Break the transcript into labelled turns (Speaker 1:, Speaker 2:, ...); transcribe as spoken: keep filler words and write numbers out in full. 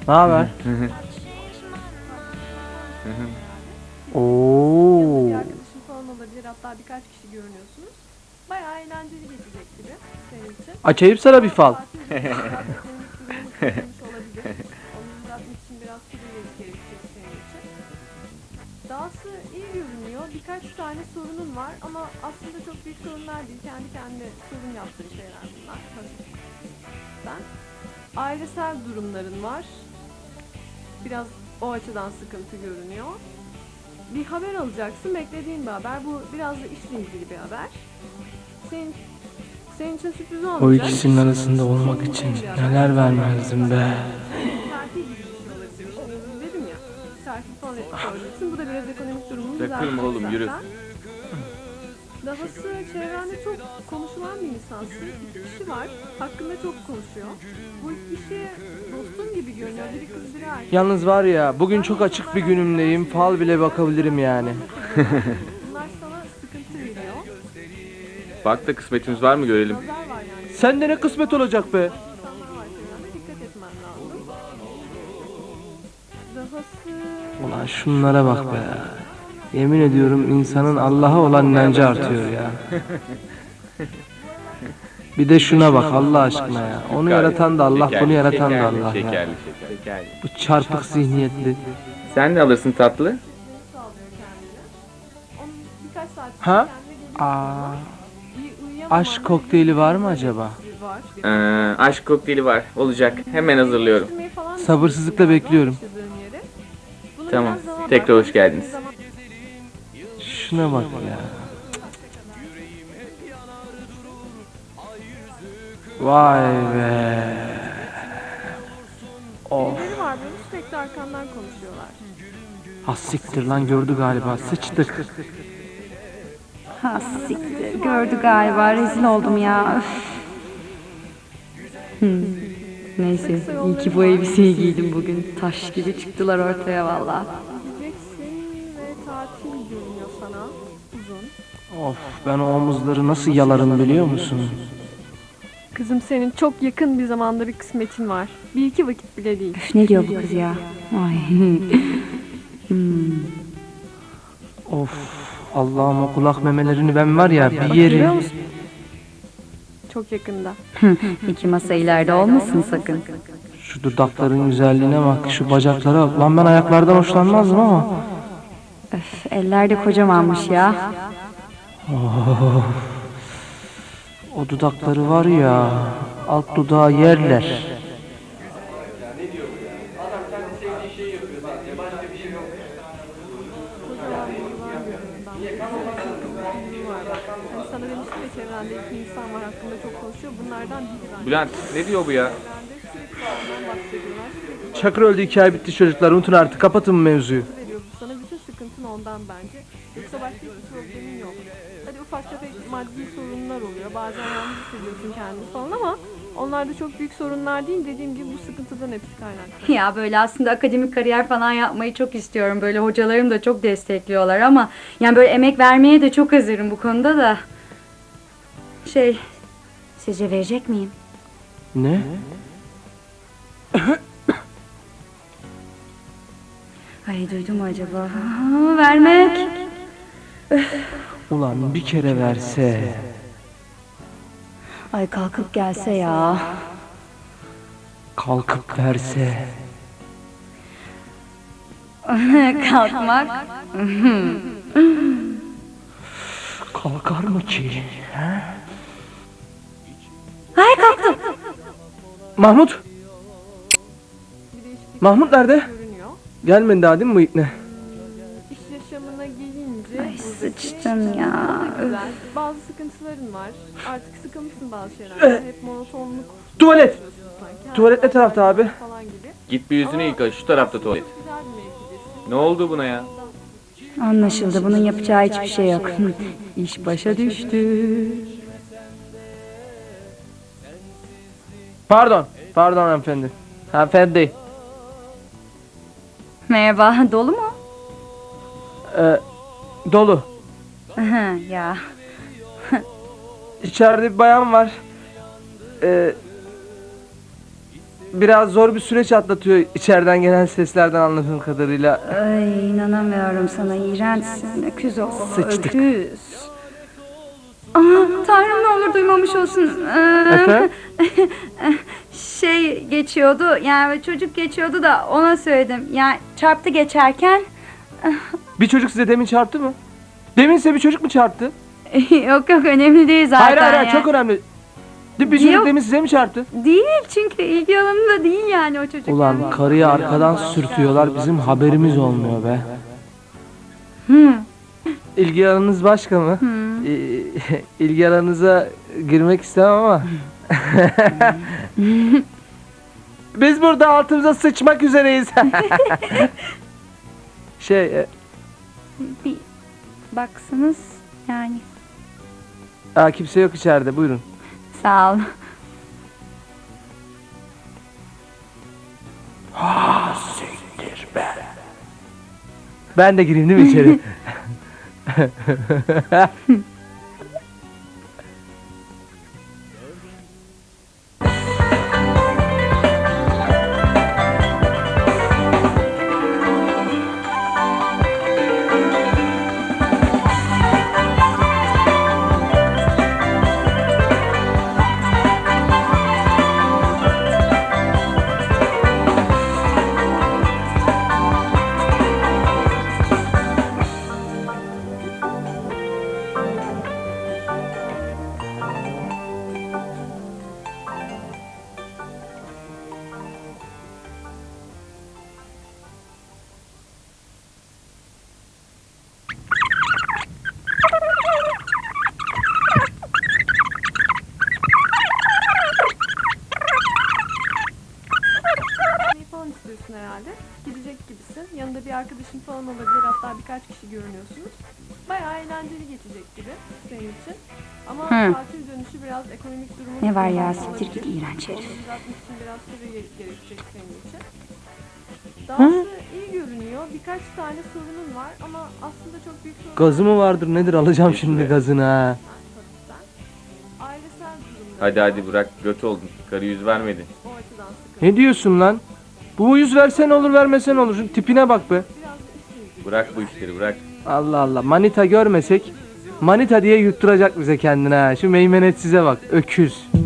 Speaker 1: Ne haber? Oo.
Speaker 2: Bir arkadaşım falan olabilir, hatta birkaç kişi görünüyorsunuz. Bayağı eğlenceli geçecek gibi senin için.
Speaker 1: Açayım sana bir fal.
Speaker 2: Tatil biraz ekonomik durumu kırılmış olabilir. Onu düzeltmek için biraz süre gerekecek senin için. Dahası iyi görünüyor. Birkaç tane sorunun var ama aslında çok büyük sorunlar değil. Kendi kendine sorun yaptığın şeyler bunlar. Ben ailesel durumların var. Biraz o açıdan sıkıntı görünüyor. Bir haber alacaksın, beklediğin bir haber. Bu biraz da işle ilgili bir haber. Senin, senin için sürpriz olmayacak.
Speaker 1: O ikisinin arasında olmak için neler vermezdim be.
Speaker 2: Terfi gibi bir şey olabilir. Dedim ya, terfi falan yapacaksın. Bu da biraz ekonomik durumunu
Speaker 3: Bırakırım oğlum,
Speaker 2: zaten.
Speaker 3: yürü.
Speaker 2: Dahası çevrende çok konuşulan bir insansın. İki kişi var, hakkında çok konuşuyor. Bu iki kişi dostun gibi görünüyor. Biri kız, biri erkek.
Speaker 1: Yalnız var ya, bugün çok açık bir günümdeyim. Fal bile bakabilirim yani.
Speaker 2: Bunlar sana sıkıntı veriyor.
Speaker 3: Bak da kısmetimiz var mı görelim.
Speaker 2: Nazar var yani.
Speaker 1: Sende ne kısmet olacak be?
Speaker 2: İnsanlar var çevrende, dikkat etmen lazım. Dahası...
Speaker 1: Ulan şunlara bak be. Yemin ediyorum insanın Allah'a olan inancı artıyor ya. Bir de şuna bak Allah aşkına ya. Onu yaratan da Allah, bunu yaratan da Allah ya.
Speaker 3: Şekerli, şekerli, şekerli.
Speaker 1: Bu çarpık zihniyetli.
Speaker 3: Sen ne alırsın tatlı?
Speaker 2: sağlıyor kendine. Onun birkaç saat
Speaker 1: Ha?
Speaker 2: kendine geliyor.
Speaker 1: Aa,
Speaker 2: İyi uyuyamaman
Speaker 1: aşk kokteyli var mı acaba?
Speaker 2: var.
Speaker 3: Ee, aşk kokteyli var. Olacak. Hemen hazırlıyorum.
Speaker 2: Değiştirmeyi falan
Speaker 1: Sabırsızlıkla
Speaker 2: düşünüyorsun
Speaker 1: bekliyorum.
Speaker 2: galiba yaşadığın yeri. Buna
Speaker 3: Tamam,
Speaker 2: biraz zaman
Speaker 3: tekrar
Speaker 2: var.
Speaker 3: hoş geldiniz.
Speaker 2: Zaman-
Speaker 1: Şuna bak ya. Vay be. Of.
Speaker 2: Birileri var böyle sürekli arkandan konuşuyorlar.
Speaker 1: Ha siktir lan, gördü galiba, sıçtık.
Speaker 4: Ha siktir. Gördü galiba. Rezil oldum ya. Üf. Hmm. Neyse. iyi ki bu elbiseyi giydim bugün. Taş gibi çıktılar ortaya valla.
Speaker 2: Gideceksin ve tatil görünüyor sana. Uzun.
Speaker 1: Of, ben o omuzları nasıl yalarım biliyor musun?
Speaker 2: Kızım, senin çok yakın bir zamanda bir kısmetin var. Bir iki vakit bile değil.
Speaker 4: Üf, ne diyor bu kız ya? Ay. Hmm.
Speaker 1: Of, Allah'ım o kulak memelerini ben var ya bir
Speaker 2: Biliyor
Speaker 1: yerim.
Speaker 2: musun? Çok yakında.
Speaker 4: İki masa ileride olmasın sakın.
Speaker 1: Şu dudakların güzelliğine bak, şu bacaklara bak. Lan ben ayaklardan hoşlanmazdım ama.
Speaker 4: Öf, eller de kocamanmış ya.
Speaker 1: O dudakları var ya, alt dudağı yerler.
Speaker 2: Kocaman bir yuvan görünüyor. Ben bir var bak. Hani sana demiştim ya, çevrende iki insan var hakkında çok konuşuyor. Bunlardan biri ben.
Speaker 3: Bülent, ne diyor bu ya?
Speaker 2: Çevrende sürekli ondan bahsediyorlar. Sürekli
Speaker 1: Çakır öldü, hikaye bitti çocuklar, unutun artık, kapatın mevzuyu.
Speaker 2: veriyor bu sana. Bütün sıkıntın ondan bence. Yoksa başka hiçbir problemin yok. Hadi ufak tefek maddi sorunlar oluyor. Bazen yalnız hissediyorsun kendini falan ama onlar da çok büyük sorunlar değil. Dediğim gibi bu sıkıntıdan hepsi kaynaklı.
Speaker 4: Ya böyle aslında akademik kariyer falan yapmayı çok istiyorum. Böyle hocalarım da çok destekliyorlar ama yani böyle emek vermeye de çok hazırım bu konuda da. Şey, sizce verecek miyim?
Speaker 1: Ne?
Speaker 4: Ay duydum mu acaba? Aa, vermek.
Speaker 1: Ulan bir kere verse.
Speaker 4: Ay kalkıp gelse ya.
Speaker 1: Kalkıp verse.
Speaker 4: Kalkmak.
Speaker 1: Kalkar mı ki? He?
Speaker 4: Ay kalktım.
Speaker 1: Mahmut?
Speaker 2: Bir değişiklik
Speaker 1: Mahmut nerede?
Speaker 2: görünüyor.
Speaker 1: Gelmedi daha değil mi bu ikne?
Speaker 2: İş yaşamına gelince
Speaker 4: Ay
Speaker 2: buradaki
Speaker 4: sıçtım ya.
Speaker 2: o da güzel. Bazı sıkıntıların var. Artık sıkılmışsın bazı şeylerden. Hep monotonluk
Speaker 1: Tuvalet!
Speaker 2: sanki.
Speaker 1: Tuvalet ne tarafta abi?
Speaker 2: Falan gibi.
Speaker 3: Git bir yüzünü yıka, şu tarafta tuvalet.
Speaker 2: Çok güzel bir mevkidesin.
Speaker 3: Ne oldu buna ya?
Speaker 4: Anlaşıldı. Bunun yapacağı hiçbir şey yok. İş başa düştü.
Speaker 1: Pardon, pardon hanımefendi. Hanımefendi.
Speaker 4: Merhaba. Dolu mu?
Speaker 1: Ee, dolu.
Speaker 4: Ya.
Speaker 1: İçeride bir bayan var. Ee, biraz zor bir süreç atlatıyor içeriden gelen seslerden anladığım kadarıyla.
Speaker 4: Ay inanamıyorum sana, iğrençsin. Öküz o.
Speaker 1: Sıçtık.
Speaker 4: Öküz. Aa, Tanrım ne olur duymamış olsun. Ee,
Speaker 1: Efendim?
Speaker 4: şey geçiyordu yani çocuk geçiyordu da ona söyledim. Yani çarptı geçerken.
Speaker 1: Bir çocuk size demin çarptı mı? Demin size bir çocuk mu çarptı?
Speaker 4: Yok yok önemli değil zaten.
Speaker 1: Hayır hayır, hayır
Speaker 4: yani.
Speaker 1: çok önemli. Bir çocuk
Speaker 4: Yok.
Speaker 1: demin size mi çarptı?
Speaker 4: Değil çünkü ilgi alanında değil yani o çocuk.
Speaker 1: Ulan
Speaker 4: yani.
Speaker 1: karıyı arkadan sürtüyorlar, bizim haberimiz olmuyor be.
Speaker 4: Hı.
Speaker 1: İlgi alanınız başka mı?
Speaker 4: Hı.
Speaker 1: İ- İlgi alanınıza girmek istemem ama. Biz burada altımıza sıçmak üzereyiz. şey, e,
Speaker 4: Bir baksanız yani.
Speaker 1: aa, kimse yok içeride, buyurun.
Speaker 4: Sağ ol.
Speaker 1: Ben de gireyim değil mi içeri?
Speaker 2: Şey falan istiyorsun herhalde. Gidecek gibisin. Yanında bir arkadaşın falan olabilir. Hatta birkaç kişi görünüyorsunuz. Bayağı eğlenceli geçecek gibi senin için. Ama
Speaker 4: Hı.
Speaker 2: tatil dönüşü biraz ekonomik durumu...
Speaker 4: Ne var ya,
Speaker 2: sıkıntılı
Speaker 4: siktir git
Speaker 2: olabilir.
Speaker 4: iğrenç herif.
Speaker 2: Onu düzeltmek için biraz süre gere- gerekecek senin için. Dahası iyi görünüyor. Birkaç tane sorunun var ama aslında çok büyük sorun
Speaker 1: Gazı mı vardır nedir, alacağım şimdi gazını ha.
Speaker 2: Ailesel durumları
Speaker 3: Hadi
Speaker 2: var.
Speaker 3: hadi bırak, göt oldun. Karı yüz vermedi.
Speaker 2: O açıdan sıkıntı.
Speaker 1: Ne diyorsun lan? Bu yüz versen olur vermesen olur, şu tipine bak be.
Speaker 2: Biraz da işle ilgili.
Speaker 3: Bırak bu işleri, bırak.
Speaker 1: Allah Allah, manita görmesek manita diye yutturacak bize kendine ha. Şu meymenetsize bak, öküz.